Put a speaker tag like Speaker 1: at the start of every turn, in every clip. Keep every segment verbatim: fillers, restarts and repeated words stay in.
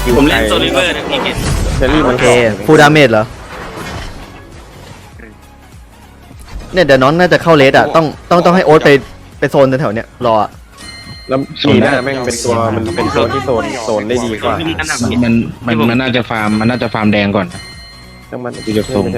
Speaker 1: ผมเล่นโซลิเวอร์นะพี่เห็น
Speaker 2: เชอรี่มัน
Speaker 3: โอเคฟูลดาเมจเหรอเนี่ยเดี๋ยวน้องน่าจะเข้าเลสอ่ะต้องต้องต้องให้โอ๊ตไปไปโซนแถวๆเนี้ยรออ่ะ
Speaker 2: แล้วมีหน้าแม่งเป็นตัวมันเป็นตัวที่โซนโซนได้ดีกว่า
Speaker 4: มันมันมันน่าจะฟาร์มมันน่าจะฟาร์มแดงก่อน
Speaker 2: ทั้งมัน
Speaker 4: ดูจากทรง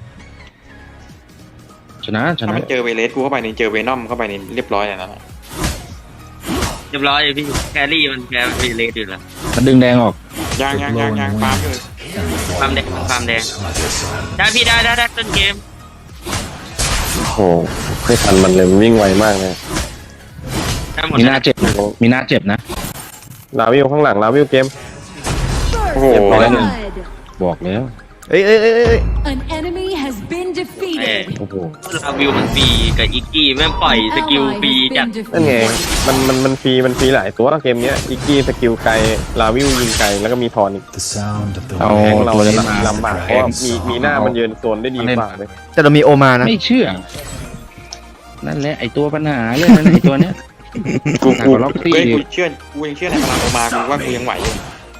Speaker 4: ชนะช
Speaker 5: ถ้า
Speaker 4: นะ
Speaker 5: มันเจอเวเลสกูเข้าไปนี่เจอเวนอมเข้าไปนี่เรียบร้อยอย่างนั้น
Speaker 1: เรียบร้อยเลยพี่แครี่มันแครี่เลสอยู่แล้ว
Speaker 4: มันดึงแดงออก
Speaker 5: ยางยางยางยางปาล์มอยู่
Speaker 1: ฟาร์มแดงฟาร์มแดงได้พี่ได้ได้ได้ต้นเกม
Speaker 2: โอ้โหไม่ทันมันเลยมันวิ่งไวมากเลย
Speaker 1: ได้หมด
Speaker 4: มีหน้าเจ็บนะมีหน้าเจ็บนะ
Speaker 2: ลาวิวข้างหลังลาวิวเกม
Speaker 5: โอ้โห
Speaker 2: เรียบร้อยหนึ่ง
Speaker 4: บอกแล้ว
Speaker 3: เอ้ยเอ้ยเอ้ยเอ้ย
Speaker 6: An enemy has been
Speaker 1: เอ้
Speaker 6: defeated.
Speaker 4: โอ้โห
Speaker 1: ลาวิวมันฟรีกับอีกกี้แม่งปล่อยสกิลฟรีจัด
Speaker 2: นั่นไงมันมันมันฟรีมันฟรีหลายตัวเกมเนี้ยอีกกี้สกิลไกลลาวิวยิงไกลแล้วก็มีทอนอีก
Speaker 7: The sound of the
Speaker 4: เอา
Speaker 2: แทงเรา
Speaker 4: ตัวนี้มา
Speaker 2: ลำบากเพราะว่ามีมีหน้ามันยืนโซนได้ดีกว่าเลย
Speaker 3: แต่เรามีโอมานะ
Speaker 4: ไม่เชื่อนั่นแหละไอตัวปัญหาเรื่องนั้นไอตัวเนี้ย
Speaker 5: กู
Speaker 4: หนัก
Speaker 5: กู
Speaker 4: กว่าล็อกซี่
Speaker 5: เฮ้ยกูเชื่อกูยังเชื่อในพลังโอมากูว่ากูยังไหวอยู่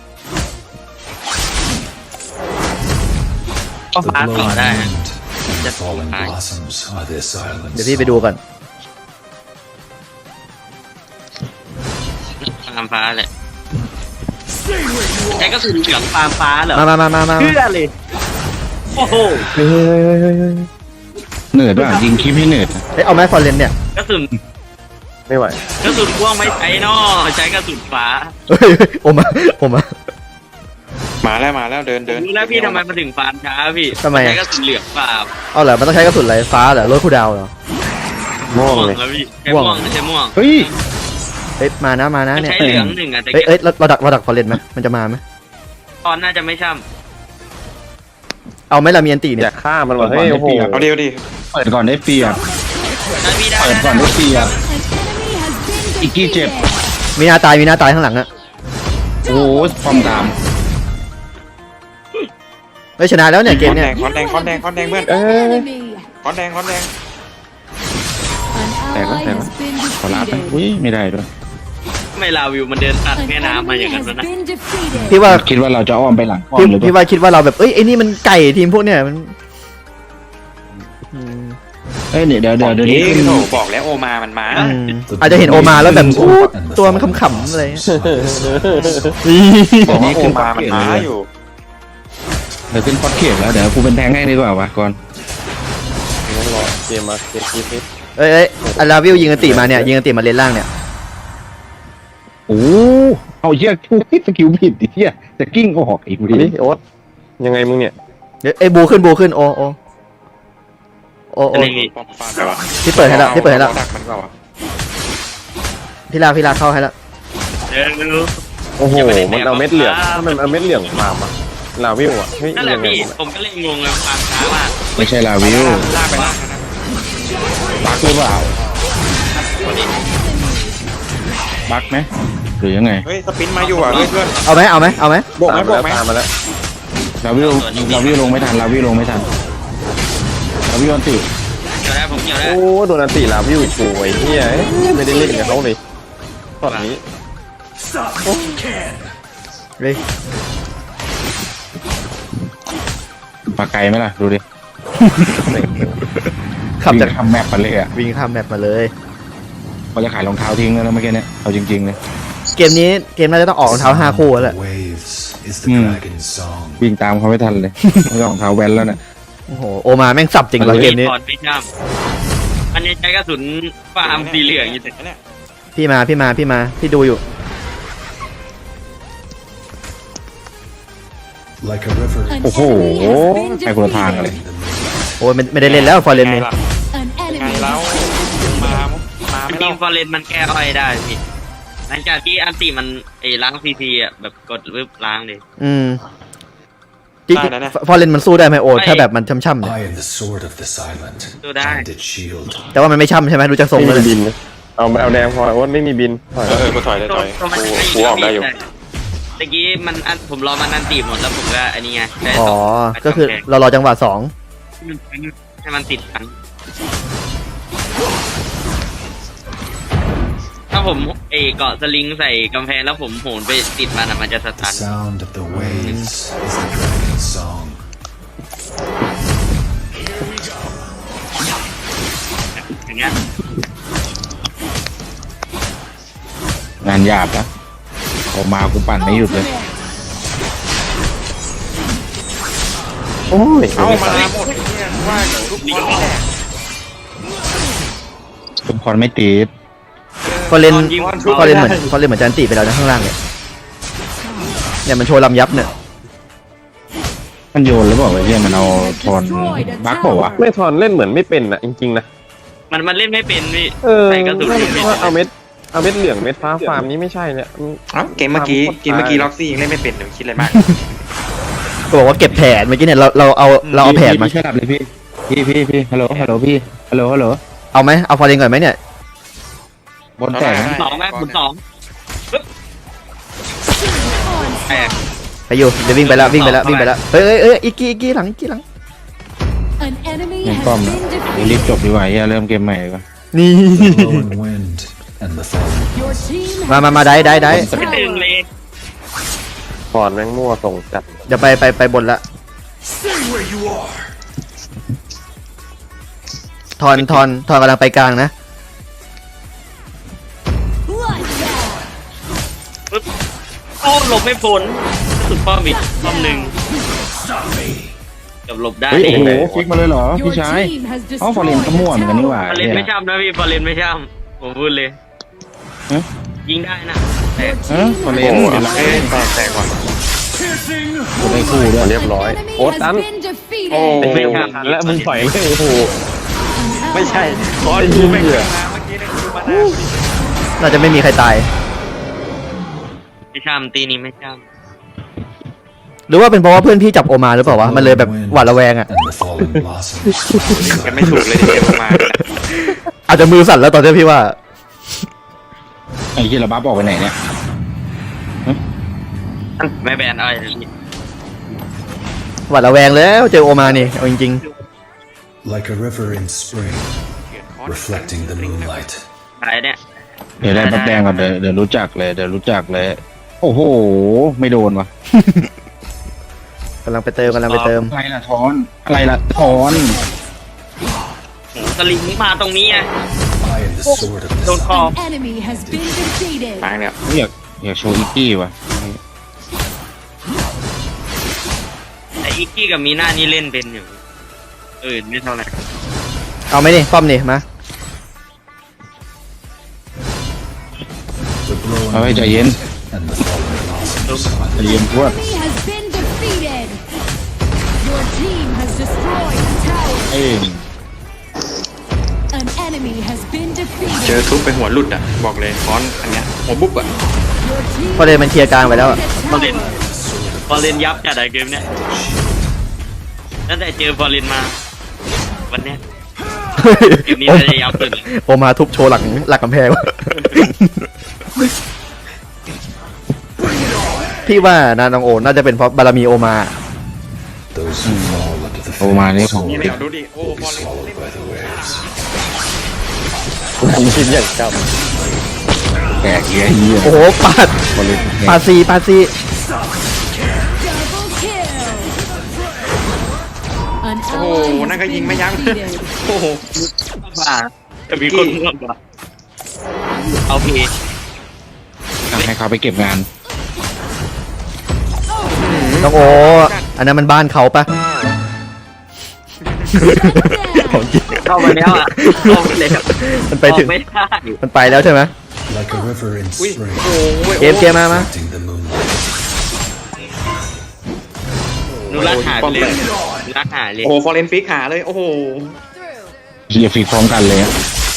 Speaker 1: ก็ฟ้า
Speaker 7: the
Speaker 1: ต่อ
Speaker 7: glowing
Speaker 1: ได้
Speaker 7: wind
Speaker 1: จะ
Speaker 7: and falling blossoms of this
Speaker 3: เดี๋ยว
Speaker 7: island.
Speaker 3: พี่ไปดูก่อน
Speaker 1: ฟาร์มฟ้าเลยใช้ก็คือเหลืองฟาร์มฟ้าเหรอ
Speaker 3: มามามามามา
Speaker 1: เชื่อเลยโอ้โห
Speaker 2: เฮ้ยเฮ้ยเฮ้ยเฮ้ยเฮ้ย
Speaker 4: เหนื่อยด้วยยิงคลิปให้เหนื่อย
Speaker 3: เอ้ยเอาไหมฟอร์เรนเนี่ย
Speaker 1: กระสุน
Speaker 2: ไม่ไหว
Speaker 1: กระสุนพ่วงไม่ใช้นอใช้กระสุนฟ้า
Speaker 3: เฮ้ยโอมาโอมา
Speaker 5: มาแล้วมาแล้วเดินเดิน
Speaker 1: รู้แล้วพี่ทำไมมาถึงฟาร์มช้าพี่
Speaker 3: ทำไมอะ
Speaker 1: ใช้กระสุนเหลืองฟาร์ม
Speaker 3: เอาเหรอมันต้องใช้กระสุนอะไรฟ้าเหรอรถคูดาวเหรอ
Speaker 2: ม่วง
Speaker 1: ม่วง
Speaker 2: เลย
Speaker 1: แล้วพี่ใช้
Speaker 3: ม่วง
Speaker 1: ม่วงใช้ม่วง
Speaker 4: เฮ้ย
Speaker 3: เอ้ยมานะมานะเนี่ย
Speaker 1: ใช้เหลืองหนึ่งอะแต่
Speaker 3: เอ้ยเอ้ยเราเราดักเราดักฟอร์เรนไหมมันจะมาไหม
Speaker 1: ตอนน่าจะไม่ช่
Speaker 3: เอาไหมล่ะมีอันตี
Speaker 2: อ
Speaker 3: เนี่ย
Speaker 2: ยากฆ่ามันว่ะเฮ้ยโอ้โห
Speaker 5: เอาเดียวดิ
Speaker 4: เปิดก่อนได้เปรียบ
Speaker 1: ำได้พี่ได้
Speaker 4: เปิดก่อน
Speaker 1: ได้
Speaker 4: ได้เปรียบ
Speaker 6: An enemy has been
Speaker 4: Iki Jeb.
Speaker 6: defeated.
Speaker 3: มีหน้าตายมีหน้าตายข้างหลังอะ
Speaker 4: โอ้โหฟอร์มตาม
Speaker 3: เฮ้ยชนะแล้วเนี่ยเก
Speaker 5: ค
Speaker 3: ม
Speaker 5: อนแด
Speaker 3: เนี่ย
Speaker 5: งคอนแดงคอนแดงคอนแดงเพื่อน
Speaker 6: An enemy.
Speaker 5: คอนแดงคอนแดง
Speaker 6: An ally
Speaker 4: Teka,
Speaker 6: has been
Speaker 4: ขอลาไป
Speaker 6: defeated.
Speaker 4: อุ้ยไม่ได้ด้วย
Speaker 1: ไม่ลาวิวมันเดินตัด
Speaker 6: An
Speaker 1: แม่น้ำมาอ
Speaker 6: enemy
Speaker 1: ย่างนั้น
Speaker 6: has
Speaker 1: นะ
Speaker 6: been defeated.
Speaker 3: พี่ว่า
Speaker 4: คิดว่าเราจะอ้อมไปหลังอ้อ
Speaker 3: พี่
Speaker 4: มหรือเป
Speaker 3: พี่
Speaker 4: ล่า
Speaker 3: ว่าคิดว่าเราแบบเอ้ยไอ้นี่มันไก่ทีมพวกเนี่ยมันอืม
Speaker 4: เอ้ยเดี๋ยวเดี๋ยวเดี๋ยวเดี๋ยวนี้
Speaker 5: เอ๊ะ
Speaker 4: ขึ้น
Speaker 5: โถ่บอกแล้วโอมามันมา
Speaker 3: อืมอาจจะเห็นโอมาแล้วแบบอู้ตัวมันขำๆอะไรเงี้ย
Speaker 5: บอกว่าโอมามันมาอยู่
Speaker 4: เดี๋ยวขึ้นคอสเขียบแล้วเดี๋ยวกูเป็นแทงให้ดีกว่าวะก่อน
Speaker 2: ต้องรอเกมมาเกมคิดนิด
Speaker 3: เอ้ยเอ้ยอาราวิวยิงอันติมาเนี่ยยิงอันติมาเลนล่างเนี่ย
Speaker 4: โอ้เอาเหี้ยกูสกิลผิดไอ้เหี้ยจะกิ้งออกอีก
Speaker 2: ดิ
Speaker 4: ดิ
Speaker 2: โอ๊ตยังไงมึงเนี่ย
Speaker 3: เดี๋ยวไอ้บูขึ้นบูขึ้นโอโอโอโอ
Speaker 1: อะไรนี่
Speaker 5: ปอมฟาร์มไปวะ
Speaker 3: พี่เปิดให้แล้วพี่เปิดให้แล้ว
Speaker 5: ดักมันเปล่าวะ
Speaker 3: พี่ลาพี่ลาเข้าให้แล้ว
Speaker 1: เดี๋ยวดู
Speaker 2: โอ้โหมันเอาเม็ดเหลืองถ้ามันเอาเม็ดเหลืองฟาร์มอะลาวิวอะเฮ้ย
Speaker 1: นั่นแหละ
Speaker 2: ยังไง
Speaker 1: พี่ผมก็เลยงงเลยฟาร์มช้ามาก
Speaker 4: ไม่ใช่ลาวิว
Speaker 5: ลากไปลากนะ
Speaker 4: บักหรือเปล่าบักไหมหรือยังไง
Speaker 5: เฮ้ยสปินมาอยู่อ่ะเฮ้ยเพื่อน
Speaker 3: เอาไหมเอาไหมเอาไหม
Speaker 5: โบกไหม
Speaker 2: ตาม
Speaker 5: โบ
Speaker 2: มาก แล้ว
Speaker 5: ไหม
Speaker 2: ตามมาแล้ว
Speaker 4: ลาวิวลาวิวลงไม่ทันลาวิวลงไม่ทันลาวิวอันติ
Speaker 1: เดี๋ยวได้ผมเกี่ยวได้
Speaker 2: โอ้โดนอันติลาวิวโวยเฮียเอ้ยไม่ได้เล่นกับเขาเลยตอนนี้
Speaker 3: เฮ้ย
Speaker 4: ปากไกลไหมล่ะดูดิ
Speaker 3: ขับจาก
Speaker 4: วิ่งทำแมปไปเลยอ่ะ
Speaker 3: วิ่งข้ามแมปมาเลย
Speaker 4: เขาจะขายรองเท้าทิ้งแล้วนะเมื่อกี้เนี่ยเอาจริงๆเลย
Speaker 3: เกมนี้เกมน่าจะต้องออกรองเท้าห้าคู่แล้วแหละ
Speaker 7: Waves is the
Speaker 4: Hmm.
Speaker 7: dragon's song.
Speaker 4: วิ่งตามเขาไม่ทันเลยไม่ต้องรองเท้าแว้นแล้วเนี่ย
Speaker 3: โอ้โหโอมาแม่งสับจริงว่ะเกมนี้
Speaker 1: ถอนไม่ช่ำอันนี้ใช้กระสุนฟาร์มสีเหลืองอยู่แต่
Speaker 5: เนี่ย
Speaker 3: พี่มาพี่มาพี่มาพี่ดูอยู่
Speaker 7: Like a river.
Speaker 6: An
Speaker 4: โอ้โห
Speaker 6: enemy has been
Speaker 4: ไปคนละทางกันเลย
Speaker 6: defeated.
Speaker 3: โอ้ยไม่ไม่ได้เล่นแล้วฟอร์เรน
Speaker 5: ไง
Speaker 3: นี่
Speaker 5: ล่ะ
Speaker 6: An
Speaker 5: ไง
Speaker 6: enemy
Speaker 5: แล้ว
Speaker 6: has
Speaker 5: มามา
Speaker 1: จ
Speaker 5: ไม่
Speaker 1: ริ
Speaker 5: เล่าง
Speaker 1: ฟอร์เรนมันแก้อ้อยได้พี่หลังจากที่อันติมันไอ้ล้างซีซีอ่ะแบบกดวิบล้างเลย
Speaker 3: อืมจริงฟอร์เรนมันสู้ได้ไหมโอถ้าแบบมันช่ำๆเนี่ย
Speaker 7: I am the sword of this island.
Speaker 1: Do that.
Speaker 7: And its shield.
Speaker 3: แต่ว่ามันไม่ช่ำใช่ไหมดูจากทรง
Speaker 2: ไม่
Speaker 3: แล้ว
Speaker 2: มี
Speaker 3: เนี่ย
Speaker 2: บินนะเอาเอาแดงพอโอ๊ตไม่มีบินถอย
Speaker 5: เออเออกูถอยเลยถอย
Speaker 1: ตัวมัน
Speaker 5: กู
Speaker 1: ให้
Speaker 5: กูออกได้อยู่
Speaker 1: ตะกี้มันอันผมรอมันอันตีหมดแล้วผมก็อันนี้ไงได้
Speaker 3: อ๋อ
Speaker 1: สง
Speaker 3: ก็คือเรารอจังหวะสอง
Speaker 1: ให้มันติดกัน ถ้าาผมเอเกาะสลิงใส่กำแพงแล้วผมโหนไปติดมันอะมันจะส
Speaker 7: The
Speaker 1: ตัน
Speaker 7: sound of the waves is the dragon's song.
Speaker 1: อย่างเงี้ย
Speaker 4: งานหยาบนะออกมากูปั่นไม่หยุดเลย
Speaker 2: โอ้ย
Speaker 5: เอามาหมดเนี่ยว่าเดี๋ยวทุกคนไม่แดก
Speaker 4: ทุกคนไม่ติด
Speaker 3: พอเล่นพอเล่นเหมือนพอเล่นเหมือนจันติไปแล้วนะข้างล่างเนี่ยเนี่ยมันโชว์ลำยับเนี่ย
Speaker 4: มันโยนแล้วบอกว่าเฮียมันเอาทอนบักบอกว่าวะ
Speaker 2: ไม่ทอนเล่นเหมือนไม่เป็นอ่ะจริงๆนะ
Speaker 1: มันมันเล่นไม่เป็นพี่
Speaker 2: เออ
Speaker 1: ใส่กระสุนไม่เป็น
Speaker 2: ว่าเอาเม็ดเอาเม็ดเหลืองเม็ดฟ้าฟาร์มนี้ไม่ใช่เนี่ย
Speaker 5: เอ้าเกมเมื่อกี้เกมเมื่อกี้ล็อกซี่ยังเล่นไม่เป็นเดี๋ยวคิดอะไรมาก
Speaker 3: ก็บอกว่าเก็บแผนเมื่อกี้เนี่ยเราเราเอาเราเอาแผนมา
Speaker 4: พี่ช่วยดับเลยพี่พี่พี่พี่ฮัลโหลฮัลโหลพี่ฮัลโหลฮัลโหล
Speaker 3: เอาไหมเอาฟอร์เรนก่อนไหมเนี่ย
Speaker 4: บนแตก
Speaker 1: สองไหมคุณสองปึ๊บแตก
Speaker 3: ไปอยู่เดี๋ยววิ่งไปแล้ววิ่งไปแล้ววิ่งไปแล้วเฮ้ยเอ้ยเอ้ยอีกกี้อีกกี้หลังอีกกี้หลัง
Speaker 6: An enemy
Speaker 4: เงิน
Speaker 6: has
Speaker 4: ป้อม
Speaker 6: been
Speaker 4: นะรีบ
Speaker 6: defeated.
Speaker 4: จบดีกว่าเฮียเริ่มเกมใหม่ดีกว่า
Speaker 3: นี่
Speaker 7: The blowing wind and the falling
Speaker 6: Your team
Speaker 3: มา
Speaker 6: has
Speaker 3: มามาได้ได้ได้
Speaker 1: ไม่ตึงเลย
Speaker 2: ทอนแม่งมั่วส่งจัด
Speaker 3: เดี๋ยวไปไปไปบนละ
Speaker 7: Stay where you are.
Speaker 3: ทอนทอนทอนกำลังไปกลางนะ
Speaker 6: bloodbath.
Speaker 1: ปึ๊บโอ้หลบไม่พ้นสุดป้อมอีกป้อมหนึ่งกับหลบได้
Speaker 4: เฮ้ย
Speaker 1: เอ
Speaker 4: โอ้
Speaker 1: ง
Speaker 4: โหฟิกมาเลยเหรอ
Speaker 6: Your
Speaker 4: พี่ชาย
Speaker 6: team has
Speaker 4: เอ้าฟอร์เรน
Speaker 6: destroyed
Speaker 4: ก็มั่วเหมือนกันนี่หว่า
Speaker 1: ฟอร์เรนไม่ช่ำนะพี่ฟอร์เรนไม่ช่ำผมพูดเลย
Speaker 4: ฮะ
Speaker 1: ยิงได้นะแต่
Speaker 4: เออฟอร์เรน
Speaker 5: โอ้โห
Speaker 4: เดี๋ยวเรา
Speaker 5: เอ้ยแตกแตกว่ะ
Speaker 4: ได้คู่ด้วย
Speaker 2: เรียบร้อย
Speaker 6: Enemy
Speaker 2: โอ้
Speaker 6: has
Speaker 2: ตัน
Speaker 6: been defeated.
Speaker 5: โอ้
Speaker 2: ไอ้เหี้ยทันแล้วมึงปล่อยเลยโอ้โห
Speaker 5: ไม่ใช่คอนกูไม่เคยมาเมื่อกี้เนี่ยกูมานา
Speaker 3: น่าจะไม่มีใครตาย
Speaker 1: ไม่ช่ำตีนี้ไม่ช่
Speaker 3: หรือว่าเป็นเพราะว่าเพื่อนพี่จับโอมาหรือเปล่าวะมันเลยแบบหวาดระแวงอ่ะ
Speaker 7: And the fallen blossoms.
Speaker 5: กันไม่ถูกเลยที่เกมมา
Speaker 3: อาจจะมือสั่นแล้วตอนนี้พี่ว่า
Speaker 4: ไอ้เฮียเราบ้าบอกไปไหนเนี่ย
Speaker 1: ำไม่แบนเอะไรพี่
Speaker 3: หวาดระแวงแล้วเจอโอมานี่เอาจริง
Speaker 7: Like a river in spring, reflecting the moonlight.
Speaker 1: ตายเนี่ย
Speaker 4: เดี๋ยวได้บัฟแดงก่อนเดี๋ยวเดี๋ยวรู้จักเลยเดี๋ยวรู้จักเลย โอ้โห ไม่โดนวะ
Speaker 3: ๆกำลังไปเติมกำลังไปเติม
Speaker 4: อะไรล่ะทอน อะไรล่ะทอน
Speaker 1: โหสลิงมาตรงนี้ไง
Speaker 7: I am the sword of
Speaker 1: โด
Speaker 7: the
Speaker 1: นคอ
Speaker 6: An enemy has been defeated.
Speaker 5: ตายเนี่ย
Speaker 4: อยากอยากโชว์อีกกี้วะ
Speaker 1: แต่อีกกี้กับมีหน้านี่เล่นเป็นอยู่เออไม่เท่าไหร่
Speaker 3: เอาไหมนี่ป้อมนี่มา
Speaker 7: The glowing
Speaker 4: เอาไว้ใจเย็น
Speaker 7: and the fallen blossoms.
Speaker 4: ใจเย็นพวด
Speaker 6: Enemy has been defeated. Your team has destroyed a tower.
Speaker 4: เอ้ย
Speaker 6: An enemy has been
Speaker 5: เจอ
Speaker 6: defeated.
Speaker 5: ทุบไปหัวหลุดอ่ะบอกเลยคอนอันเนี้ยหัวบุ๊บอ่ะ
Speaker 6: Your team
Speaker 3: ฟอร์เรนมันเคลียร์กลางไปแล้วอะ
Speaker 1: ฟอร์เรนฟอร์เรนยับจัดอะเกมเนี้ยตั้งแต่เจอฟอร์เรนมา วันเนี้ยเกมนี้น่าจะยับสุดเลย
Speaker 3: โอมาทุบโชว์หลังหลักกำแพง พี่ว่านาน้องโอน่าจะเป็นเพราะบารมีโอมา
Speaker 7: Those who fall under the
Speaker 4: โอมานี่ของ
Speaker 5: นี่ไม่เอาดูดิโอ้
Speaker 7: will
Speaker 5: บ
Speaker 7: be
Speaker 5: อลเล่น
Speaker 7: swallowed by the waves.
Speaker 2: ผมคิดอย่างจ
Speaker 4: แกะเฮียเฮีย
Speaker 3: โอ้โหปาด
Speaker 4: บอลเล่น
Speaker 3: ปาดซีปาดซี
Speaker 6: double kill. An
Speaker 5: โอ้โห
Speaker 6: ally
Speaker 5: นั่นก็
Speaker 6: has
Speaker 5: ยิง
Speaker 6: been
Speaker 5: ไม่ยั้ง
Speaker 6: defeated.
Speaker 5: โอ้โห
Speaker 1: ว่าจะมีคนร่วมว่ะเอาพี
Speaker 4: ให้เขาไปเก็บงาน
Speaker 3: น้องโออันนั้นมันบ้านเขาปะ ของจริง
Speaker 1: เข้ามาแล้วอ่ะเข้ามาแล้ว
Speaker 3: มันไปถึง
Speaker 1: ออกไม่ได้
Speaker 3: มันไปแล้วใช่ไหม
Speaker 7: Like a river in
Speaker 5: อุ้ย
Speaker 7: spring,
Speaker 5: โอ้ย
Speaker 3: เกมเกมมามา
Speaker 7: reflecting the moonlight.
Speaker 1: หนูรักหายไปเลยหนูรักหายเลย
Speaker 5: โอ้โหฟอร์เรนฟิกหาเลยโอ้โห
Speaker 4: เฮียฟีพร้อมกันเลยอะ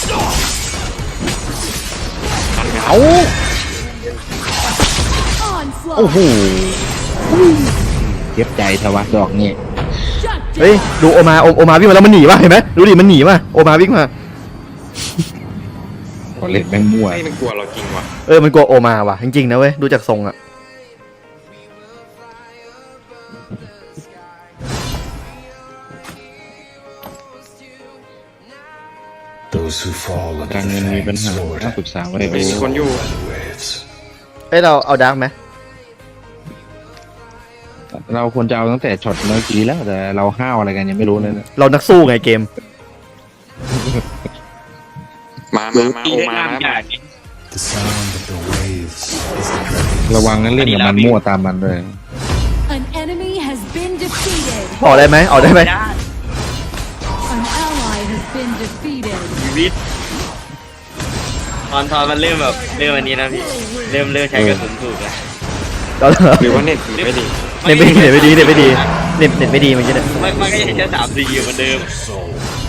Speaker 4: เอา
Speaker 6: Onslaught.
Speaker 4: โอ้โหเจ็บใจทวะดอกนี่
Speaker 6: Shut
Speaker 3: เฮ้ย
Speaker 6: down.
Speaker 3: ดูโอมาโอโอมาวิ่งมาแล้วมันหนีป่ะเห็นไหมดูดิมันหนีป่ะโอมาวิ่งมา
Speaker 4: บอลเล่นแม่งมั่ว
Speaker 5: ไม่มันกลัวเราจริงว่ะ
Speaker 3: เออมันกลัวโอมาว่ะจริงๆนะเว้ยดูจากทรงอะ
Speaker 7: Those who fall under
Speaker 4: การเงินมีปัญ
Speaker 7: Fang's
Speaker 4: หา
Speaker 7: sword
Speaker 4: ต้องปรึกษาไว้
Speaker 5: ไม่มีคนอยู่
Speaker 7: by the waves.
Speaker 3: เอ้ยเราเอาดาร์กไหม
Speaker 4: เราควรจะเอาตั้งแต่ช็อตเมื่อกี้แล้วแต่เราห้าวอะไรกันยังไม่รู้เลยนะ
Speaker 3: เรานักสู้ไงเกม
Speaker 5: มามามา
Speaker 1: ตี
Speaker 5: โอ
Speaker 1: ได้
Speaker 5: มา
Speaker 1: ห้าม
Speaker 5: นะ
Speaker 1: ใหญ่
Speaker 7: The sound of the waves is the dragon's
Speaker 4: ระวังนั้นเล่นกับมันมั่วตามมันเลย
Speaker 6: An enemy has been defeated.
Speaker 3: ออกได้ไหมออกได้ไหม
Speaker 6: An ally has been defeated.
Speaker 1: ชีวิตตอนตอนมันเริ่มแบบเริ่มอันนี้นะพี่เริ่มเริ่มใช้กระสุนถูกแล้ว
Speaker 3: เรา
Speaker 5: หรือว่าเน็ตผีไม่ดี
Speaker 3: เน็ตไม่ดีเน็ตไม่ดีเน็ตไม่ดีเน็ตเน็ตไม่ดีเมันจะเนี่ย
Speaker 1: มันมันก็ยังใช้สามสี่อยู่เหมือนเดิม
Speaker 7: soul.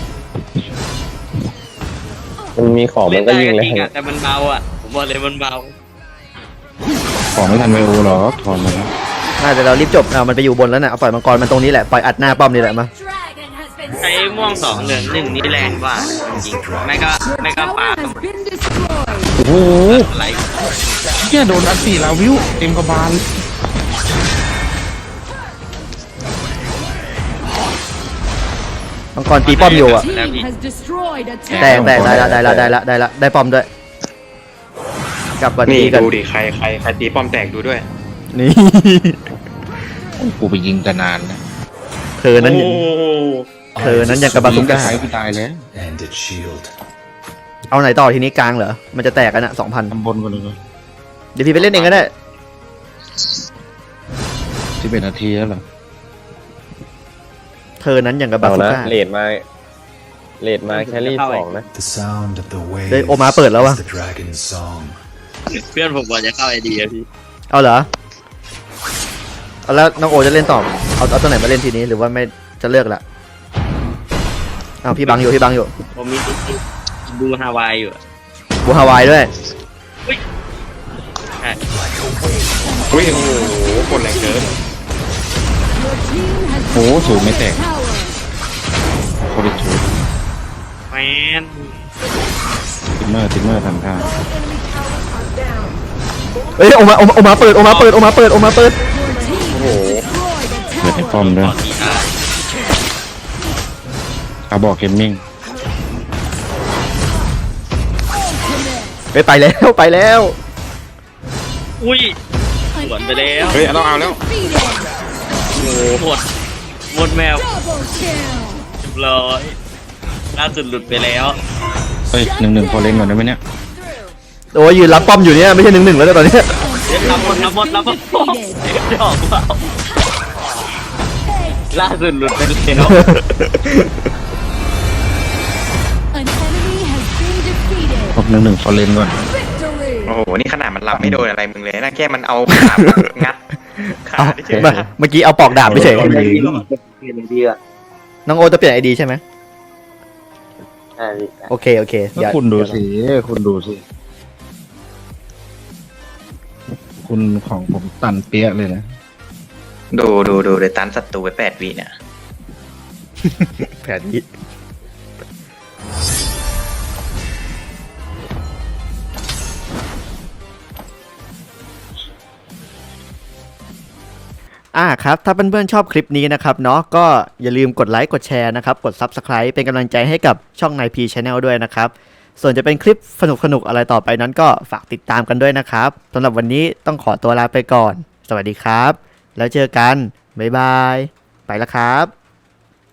Speaker 2: มันมีของมันก็ยิงเลย
Speaker 1: จริงอะแต่มันเบาอ่ะผมบอกเลยมันเบา
Speaker 4: ของไม่ทันไวโอหรอกถอนมาแล้ว
Speaker 3: น่าจะเรารีบจบเอามันไปอยู่บนแล้วน่ะเอาปล่อยมังกรมันตรงนี้แหละปล่อยอัดหน้าป้อมนี่แหละมา
Speaker 6: Dragon has been
Speaker 1: ใช้ม่วงสองเหลืองหนึ่งนี่แรงกว่าจริงๆไม่ก็ไม่ก็
Speaker 6: Tower
Speaker 1: ปา
Speaker 6: has been destroyed.
Speaker 4: โอ้โห
Speaker 1: อะไร
Speaker 4: เนี่ยโดนอัดสี่ลาวิวเต็มกระบาล
Speaker 3: มังกรตีป้อมอยู่อ่ะ
Speaker 6: Team has destroyed a
Speaker 3: แตก
Speaker 6: tower.
Speaker 3: แตกได้ละได้ละได้ละได้ละได้ป้อมด้วยกลับก่อน
Speaker 5: นี่
Speaker 3: ดีกัน
Speaker 5: ดูดิใครใครใครตีป้อมแตกดูด้วย
Speaker 3: นี่
Speaker 4: กูไปยิงแต่นานนะ
Speaker 3: เธอนั้นเธอนั้นยังกระบา
Speaker 4: ยิ
Speaker 3: สุ
Speaker 4: งกระ
Speaker 3: ก้า
Speaker 4: สายกูตายแล้ว
Speaker 7: And its shield.
Speaker 3: เอาไหนต่อทีนี้กลางเหรอมันจะแตกกันอ่ะสองพัน
Speaker 4: ทำบนกันเลย
Speaker 3: เดี๋ยวพี่ไปเล่นเองก็ได้
Speaker 4: สิบเอ็ดนาทีแล้วเหรอ
Speaker 3: เธอนั้นยังกระบา
Speaker 2: เอา
Speaker 3: สุ
Speaker 2: นะ
Speaker 3: ก้า
Speaker 2: เลดมาเลดมาแครี่สองนะ
Speaker 7: The sound of the waves
Speaker 3: เฮ้ยโอมาเปิดแล้ววะ
Speaker 7: is the dragon's song.
Speaker 1: เพื่อนผมบอกจะเข้าไอเดียพี่
Speaker 3: เอาเหรอเอาแล้วน้องโอจะเล่นต่อเอาเอาตัวไหนมาเล่นทีนี้หรือว่าไม่จะเลือกละเอาพี่บังอยู่พี่บังอยู่
Speaker 1: ผมมีดูฮาวายอยู่
Speaker 3: บูฮาวายด้วย
Speaker 1: ใช่
Speaker 5: อุ้ยโอ้โหกดแรงเกิน
Speaker 6: Your team has
Speaker 4: โอ้โหสูงไม่แตก
Speaker 6: tower.
Speaker 4: โคตรชู
Speaker 1: แมน
Speaker 4: ติมเมอร์ติมเมอร์ทำท่า
Speaker 3: เอ้ยโอมาโอมาโอมาเปิดโอมาเปิดโอมาเปิดโอมาเปิด
Speaker 6: Your team has destroyed a
Speaker 4: เปิดใน
Speaker 6: tower.
Speaker 4: ป้อมด้วย
Speaker 1: ต่อทีอาร์
Speaker 4: เอาบอกเกมมิ่ง
Speaker 3: ไปไปแล้วไปแล้ว
Speaker 1: อุ้ย
Speaker 6: An
Speaker 1: Luận về
Speaker 6: enemy
Speaker 1: đéo.
Speaker 6: has
Speaker 5: Ê, nó ao
Speaker 6: been
Speaker 5: đéo.
Speaker 6: defeated.
Speaker 1: โอ้โหหมดหมดแมว
Speaker 6: Double kill.
Speaker 1: เรียบร้อยล่าสุดหลุดไปแล้ว
Speaker 4: เฮ้ยหนึ่งหนึ่งพอเล่นก่อนได้ไหมเนี่ย
Speaker 3: โอ้ยยืนรับป้อมอยู่เนี่ยไม่ใช่หนึ่งหนึ่งแล้วตอนนี้
Speaker 1: เดี๋ยวรับหมดรับหมดรับหมดดอกเปล่าล่าสุดหลุดไปแล้ว
Speaker 6: An enemy has been defeated.
Speaker 4: บอกหนึ่งหนึ่งพอเล่นก่อน
Speaker 6: Victory.
Speaker 5: โอ้โหนี่ขนาดมันรับไม่โดนอะไรมึงเลยนะแค่มันเอาขางัดขา
Speaker 3: เอา
Speaker 5: ที่เฉย
Speaker 3: มาเมื่อกี้เอาปอกดาบไปเฉย
Speaker 2: เปลี่ยนดีอ่ะ
Speaker 3: น้องโอจะเปลี่ยนไอดีใช่ไหม
Speaker 2: ใช่
Speaker 3: โอเคโอเค
Speaker 4: ก็
Speaker 3: เดี๋ยว
Speaker 4: คุณดูสิ คุณดูสิ คุณของผมตันเปี้ยเลยนะ
Speaker 5: ดูดูดูเลยตันศัตรูไปแปดวิเนี่ย
Speaker 3: แผนนี้อ่าครับถ้าเพื่อนๆชอบคลิปนี้นะครับเนาะก็อย่าลืมกดไลค์กดแชร์นะครับกด ซับสไครบ์ เป็นกำลังใจให้กับช่อง ไนน์ พี Channel ด้วยนะครับส่วนจะเป็นคลิปสนุกๆอะไรต่อไปนั้นก็ฝากติดตามกันด้วยนะครับสำหรับวันนี้ต้องขอตัวลาไปก่อน สวัสดีครับ แล้วเจอกันบ๊ายบายไปแล้วครับ